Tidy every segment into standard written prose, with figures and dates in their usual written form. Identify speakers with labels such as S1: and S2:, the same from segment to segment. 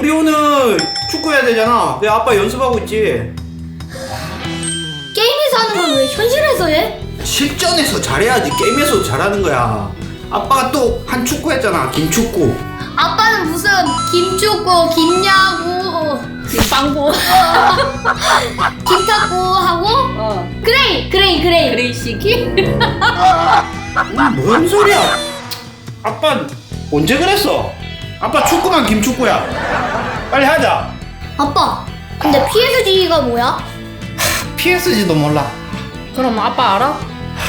S1: 우리 오늘 축구해야 되잖아. 내 아빠 연습하고 있지.
S2: 게임에서 하는 건 왜 현실에서 해?
S1: 실전에서 잘해야지 게임에서도 잘하는 거야. 아빠가 또 한 축구 했잖아. 김축구.
S2: 아빠는 무슨 김축구, 김야구,
S3: 김빵구.
S2: 김탁구 하고 그레이.
S3: 그레이시기?
S1: 뭔 소리야? 아빠 언제 그랬어? 아빠 축구만 김축구야. 빨리 하자.
S2: 아빠, 근데 PSG가 뭐야?
S1: PSG도 몰라.
S3: 그럼 아빠 알아?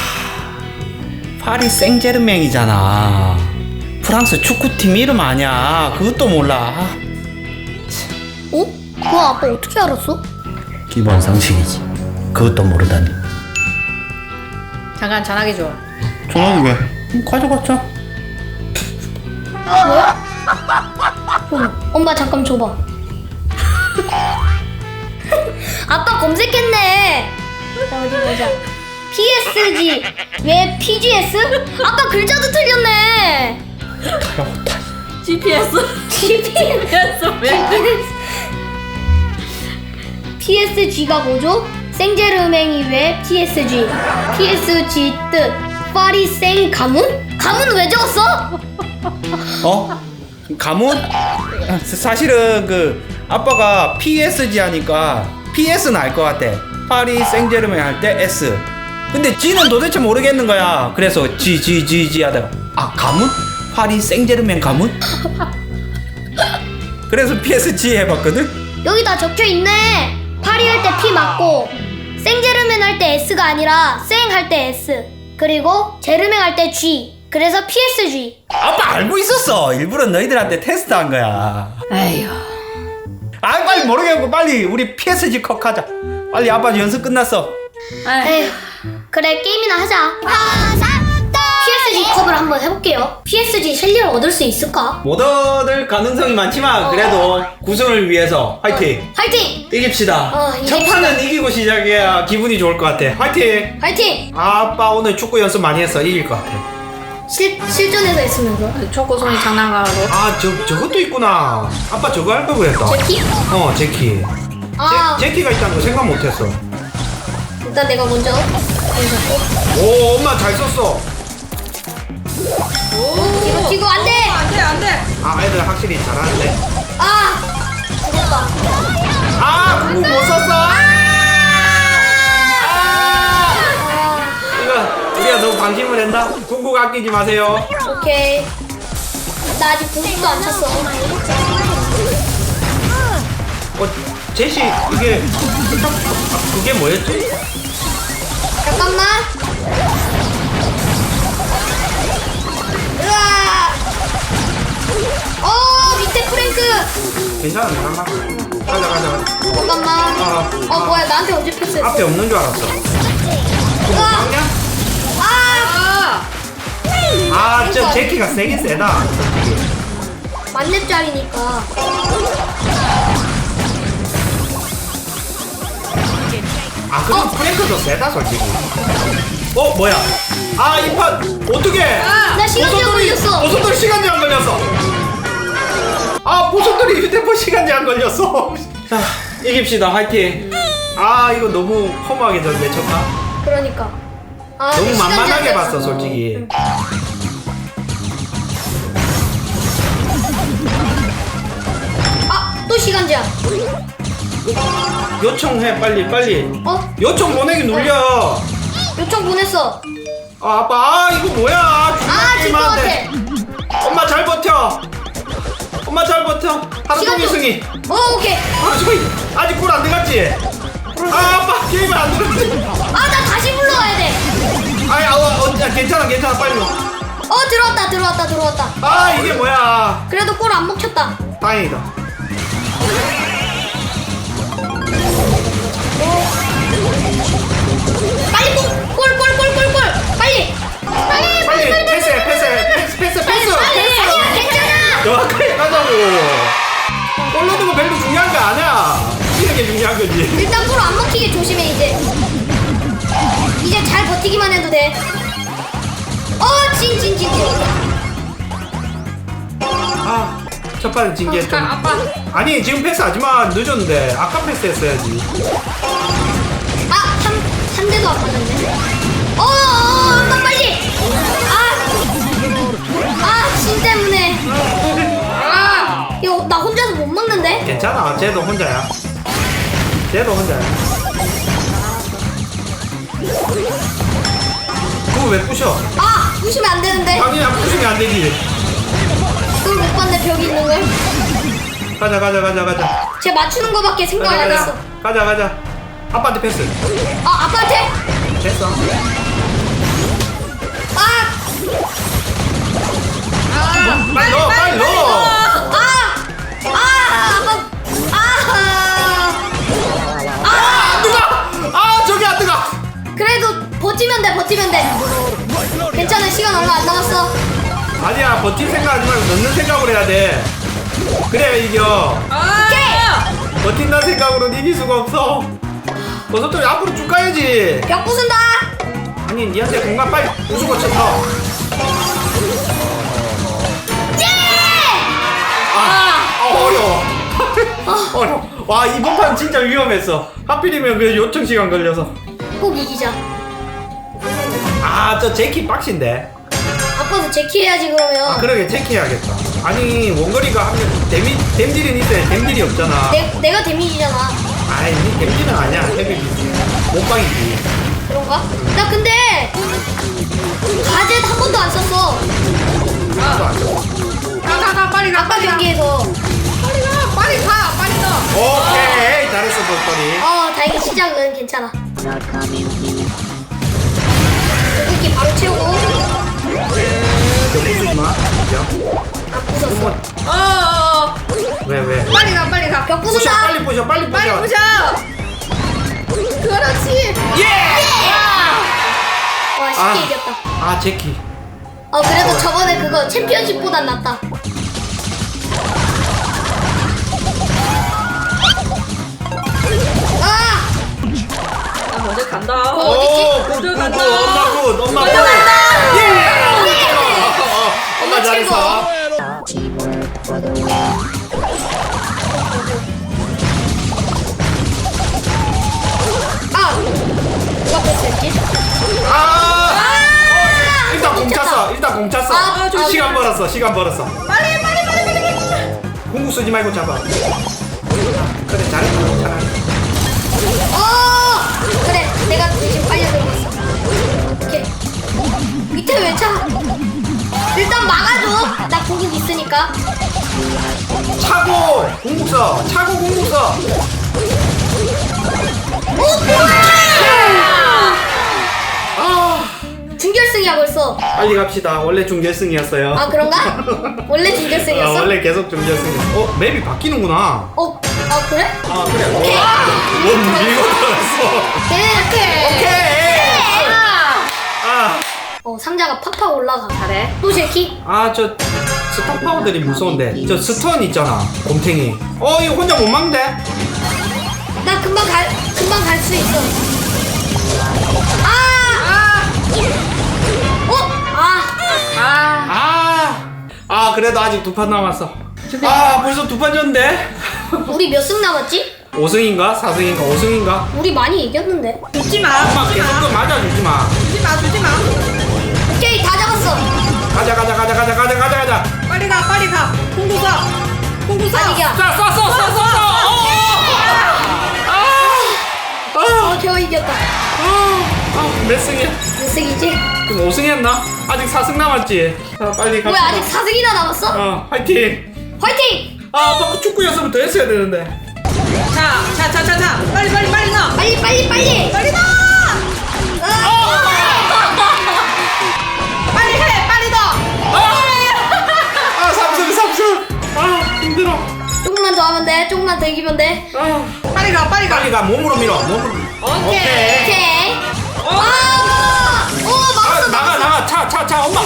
S1: 파리 생제르맹이잖아. 프랑스 축구팀 이름 아니야. 그것도 몰라.
S2: 어? 그거 아빠 어떻게 알았어?
S1: 기본 상식이지. 그것도 모르다니.
S3: 잠깐 전화기 줘.
S1: 전화기 왜? 가져갔자.
S2: 뭐야? 엄마 잠깐 줘봐. 아빠 검색했네. 자, 어디 보자. PSG 왜 PGS? 아빠 글자도 틀렸네.
S3: GPS.
S2: GPS
S3: 왜?
S2: PSG가 뭐죠? 생제르맹이 왜 PSG? PSG 뜻 파리 생 가문? 가문 왜 적었어?
S1: 어? 가문? 사실은 그 아빠가 PSG 하니까 PS는 알 것 같아. 파리 생제르맹 할 때 S. 근데 G는 도대체 모르겠는 거야. 그래서 G 하다가 아 가문? 파리 생제르맹 가문? 그래서 PSG 해봤거든.
S2: 여기 다 적혀 있네. 파리 할 때 P 맞고 생제르맹 할 때 S가 아니라 생 할 때 S 그리고 제르맹 할 때 G. 그래서 PSG.
S1: 아빠 알고 있었어. 일부러 너희들한테 테스트한 거야.
S3: 에휴.
S1: 아 빨리 모르겠고 빨리 우리 PSG 컷 하자. 빨리 아빠 연습 끝났어.
S2: 에휴, 그래 게임이나 하자. PSG 컵을 한번 해볼게요. PSG 실력을 얻을 수 있을까?
S1: 못 얻을 가능성이 많지만 그래도 구승을 위해서 화이팅!
S2: 화이팅!
S1: 이깁시다.
S2: 이깁시다.
S1: 첫 판은 이기고 시작해야 기분이 좋을 것 같아. 화이팅!
S2: 화이팅!
S1: 아빠 오늘 축구 연습 많이 했어. 이길 것 같아.
S2: 실전에서 했으면서
S3: 초코송이 장난감으로.
S1: 아 저것도 있구나. 아빠 저거 할 걸 그랬다.
S2: 제키?
S1: 어 제키.
S2: 아
S1: 제키가 있다는 거 생각 못했어.
S2: 일단 내가 먼저 잡고
S1: 오 엄마 잘 썼어.
S2: 뒤로 튀고 안돼!
S3: 안돼.
S1: 아 애들 확실히 잘하는데.
S2: 아 죽었다.
S1: 아 그거 못 썼어. 이거 우리가 너무 방심을 했나? 궁극 아끼지 마세요.
S2: 오케이. 나 아직 공식도 안 찼어.
S1: 제시 이게 그게 뭐였지?
S2: 잠깐만. 으아! 밑에 프랭크.
S1: 괜찮아 잠깐만. 가자.
S2: 잠깐만. 뭐야 나한테 언제 패스했어?
S1: 앞에 없는 줄 알았어.
S2: 으아!
S1: 막냐?
S2: 아!
S1: 아저 제키가 세긴 세다.
S2: 만렙짜리니까.
S1: 아 그럼 프랭크도 세다 솔직히. 뭐야? 아 이 판 어떻게?
S2: 나 시간 제한 걸렸어.
S1: 보석돌이 시간 제한 걸렸어. 아 보석돌이 휴대폰 시간 제한 걸렸어. 자 이깁시다 화이팅. 아 이거 너무 허무하게 졌네 첫 판.
S2: 그러니까.
S1: 너무
S2: 시간
S1: 만만하게
S2: 제한
S1: 봤어
S2: 됐어.
S1: 솔직히.
S2: 또 시간 제한.
S1: 요청해 빨리. 요청 보내기 눌려.
S2: 요청 보냈어.
S1: 아 아빠 아 이거 뭐야?
S2: 질 것 같아.
S1: 엄마 잘 버텨. 하루
S2: 시간
S1: 종일
S2: 좀-
S1: 승희.
S2: 오케이.
S1: 하루 종일 아직 골 안 들어갔지? 아 아빠 게임을 안 들었지?
S2: 나 다시 불러와야 돼.
S1: 야, 괜찮아 빨리 와.
S2: 들어왔다.
S1: 아 이게 뭐야?
S2: 그래도 골 안 먹혔다.
S1: 다행이다.
S2: 빨리 골. 빨리.
S1: 패스.
S2: 아니야, 괜찮아.
S1: 정확하게 가자고. 골 넣는 거 별로 중요한 거 아니야. 이기는 게 중요한 거지.
S2: 일단 골 안 먹히게 조심해 이제. 이제 잘 버티기만 해도 돼. 진.
S1: 아 첫 판은 진 게 좀.
S3: 아빠.
S1: 아니 지금 패스하지마. 늦었는데 아까 패스했어야지.
S2: 한 대도 안 맞았네. 엄마 빨리. 진 때문에. 이거 나 혼자서 못 먹는데?
S1: 괜찮아. 쟤도 혼자야. 쟤도 혼자야. 그거 왜 부셔?
S2: 부시면 안 되는데.
S1: 당연히 안 부시면 안 되지.
S2: 그걸 못 봤네, 벽이 있는 걸.
S1: 가자.
S2: 쟤 맞추는 거밖에 생각 안 했어.
S1: 가자. 아빠한테 패스.
S2: 아빠한테?
S1: 됐어. 빨리 넣어. 저기 안 뜨거.
S2: 그래도 버티면 돼. 괜찮아, 시간 얼마 안 남았어.
S1: 아니야, 버틸 생각하지 말고 넣는 생각으로 해야 돼. 그래야 이겨.
S2: 오케이!
S1: 버틴다는 생각으로는 이길 수가 없어. 버섯돌이 앞으로 쭉 가야지.
S2: 벽 부순다!
S1: 아니, 니한테 공간 빨리 부수고 쳐. 어려워. 어려워. 와, 이번 판 진짜 위험했어. 하필이면 그 요청 시간 걸려서.
S2: 꼭 이기자.
S1: 저 제키 빡신데.
S2: 아빠도 제키 해야지, 그러면.
S1: 그러게 제키 해야겠다. 아니, 원거리가 하면 댐딜은 있어야 댐딜이 없잖아.
S2: 내가 데미지잖아.
S1: 아이, 니 댐딜은 아니야. 헤비비지. 못방이지.
S2: 그런가? 나 근데 가젯 한 번도 안 썼어.
S3: 가 빨리 가.
S2: 아빠 경기에서.
S3: 빨리 가.
S1: 오케이. 잘했어, 버섯돌이.
S2: 다행히 시작은 괜찮아. 여기 바로 채우고.
S1: 부수지 마.
S2: 안 부쉈어.
S1: 왜?
S3: 빨리 가.
S2: 벽
S1: 부셔,
S2: 부순다.
S1: 빨리 부셔.
S3: 빨리 부셔. 그렇지.
S2: 와, 쉽게 이겼다.
S1: 제키.
S2: 그래도 저번에 그거 챔피언십보단 낫다.
S3: 나 먼저 간다.
S2: 어딨지?
S1: 엄마 굿. 엄마 잘했어.
S2: 누가 패스했지?
S1: 일단 공 찼어. 시간 벌었어.
S3: 빨리.
S1: 공구 쓰지 말고 잡아. 그래, 잘했다. 잘했다.
S2: 그래, 내가 대신 빨리 들어갔어. 오케이. 밑에 왜 차? 일단 막아줘. 나 공격 있으니까.
S1: 차고 공국 써.
S2: 준결승이야 벌써.
S1: 빨리 갑시다. 원래 준결승이었어요.
S2: 그런가? 원래 준결승이었어?
S1: 원래 계속 준결승이었어. 맵이 바뀌는구나.
S2: 그래?
S1: 그래.
S2: 오케이.
S1: 뭔 밀고 들었어.
S2: 오케이.
S1: 아,
S2: 상자가 팍팍 올라가.
S3: 잘해.
S2: 또 제키?
S1: 저 스턴 파워들이 무서운데. 저 스턴 있잖아. 곰탱이. 이거 혼자 못 막는데?
S2: 나 금방 갈 수 있어.
S1: 그래도 아직 2판 남았어. 벌써 2판 졌는데?
S2: 우리 몇 승 남았지?
S1: 5승인가? 4승인가? 5승인가?
S2: 우리 많이 이겼는데.
S3: 주지 마.
S1: 엄마 계속 그 맞아주지 마.
S3: 주지 마.
S2: 오케이, 다 잡았어.
S1: 가자.
S3: 빨리 가. 공구 써.
S2: 안 이겨. 겨우 이겼다.
S1: 몇 승이야?
S2: 몇 승이지?
S1: 그럼 5승 했나? 아직 4승 남았지? 빨리
S2: 뭐야, 아직 4승이나 남았어?
S1: 화이팅!
S2: 화이팅!
S1: 아까 축구였으면 더 했어야 되는데.
S3: 자. 빨리 넣어.
S2: 빨리!
S3: 빨리 넣어. 빨리 해. 빨리 넣어.
S1: 3승! 힘들어.
S2: 조금만 더 하면 돼. 조금만 더 이기면 돼.
S3: 빨리 가.
S1: 빨리 가. 몸으로 밀어.
S3: 오케이.
S2: 오케이. 막았어.
S1: 나가. 차. 엄마.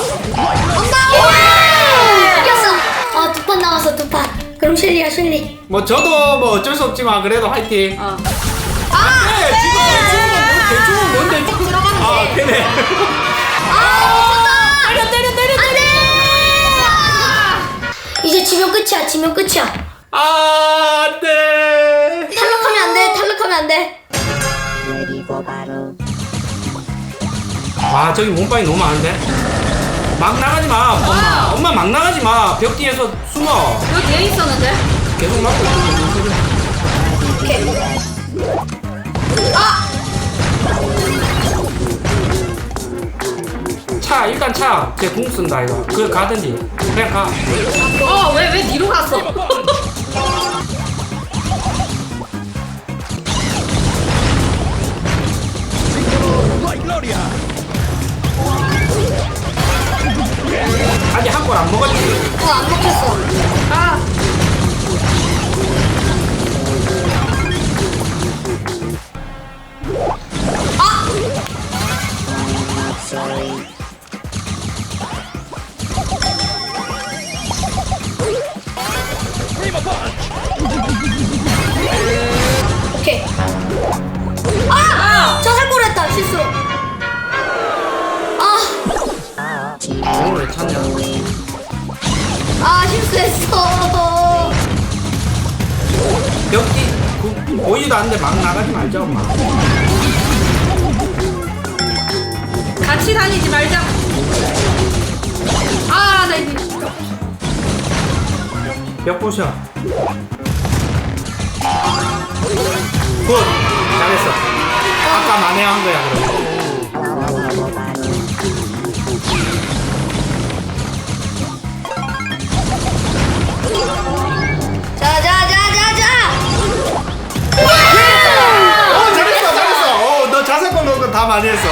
S2: 이겼어. 2판 남았어, 2판. 그럼 셸리야.
S1: 뭐 저도 뭐 어쩔 수 없지만 그래도 화이팅. 지금 대충은 뭔데?
S2: 좀 들어가면 돼.
S1: 되네.
S2: 때려. 안 돼. 이제 지면 끝이야. 지면 끝이야.
S1: 아, 안돼.
S2: 탈락하면 안 돼. 탈락하면 안 돼.
S1: 와, 저기 몸빵이 너무 많은데. 막 나가지 마. 엄마 막 나가지 마. 벽 뒤에서 숨어.
S3: 여기 뒤에 있었는데?
S1: 계속 막고 있어.
S2: 오케이. 아!
S1: 차, 일단 차. 쟤 궁 쓴다 이거. 그래 가든지. 그냥 가.
S3: 왜 뒤로 갔어?
S1: 아직 한 골 안 먹었지.
S2: 안 먹혔어.
S3: 아,
S2: 오케이. 아! 자살골 했다. 실수로. 아!
S1: 오늘 왜 찾냐?
S2: 아, 실수했어.
S1: 벽 뒤. 보이지도 않는데 막 나가지 말자 엄마.
S3: 같이 다니지 말자. 아, 나 이제.
S1: 벽 보셔. 굿. 잘했어. 아까 만회한 거야 그럼.
S2: 자자자자자.
S1: 잘했어 잘했어. 너 자세골 넣은 거 다 많이 했어.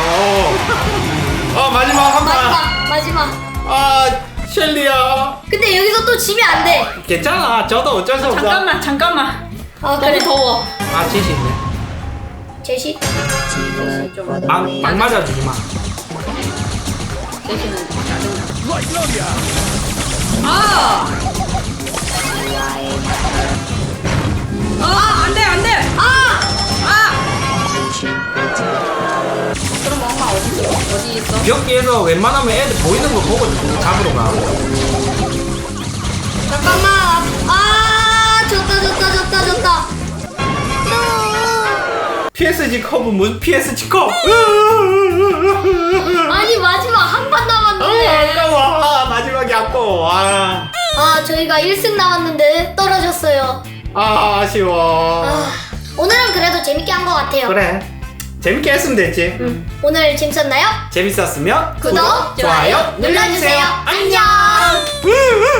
S1: 마지막 한 번.
S2: 마지막.
S1: 아 셸리야.
S2: 근데 여기서 또 지면 안 돼.
S1: 괜찮아. 저도 어쩔 수 없어.
S3: 잠깐만.
S2: 아,
S3: 너무
S2: 그래.
S3: 더워.
S1: 아 지시 있네.
S2: 제시.
S1: 막 맞아주지 마.
S3: 대신은 짜증나. 아! 안 돼, 안 돼!
S2: 아!
S3: 그럼 엄마 어디 있어?
S1: 벽 뒤에서 웬만하면 애들 보이는 거 보고 잡으러 가.
S2: 잠깐만. 아, 졌다.
S1: PSG 컵은 무슨 PSG 컵?
S2: 아니, 마지막 한 판 남았는데.
S1: 아까워. 마지막이 아까워.
S2: 아, 저희가 1승 남았는데 떨어졌어요.
S1: 아쉬워.
S2: 오늘은 그래도 재밌게 한 것 같아요.
S1: 그래. 재밌게 했으면 됐지.
S2: 오늘 재밌었나요?
S1: 재밌었으면
S2: 구독, 좋아요 눌러주세요. 안녕.
S1: 으으.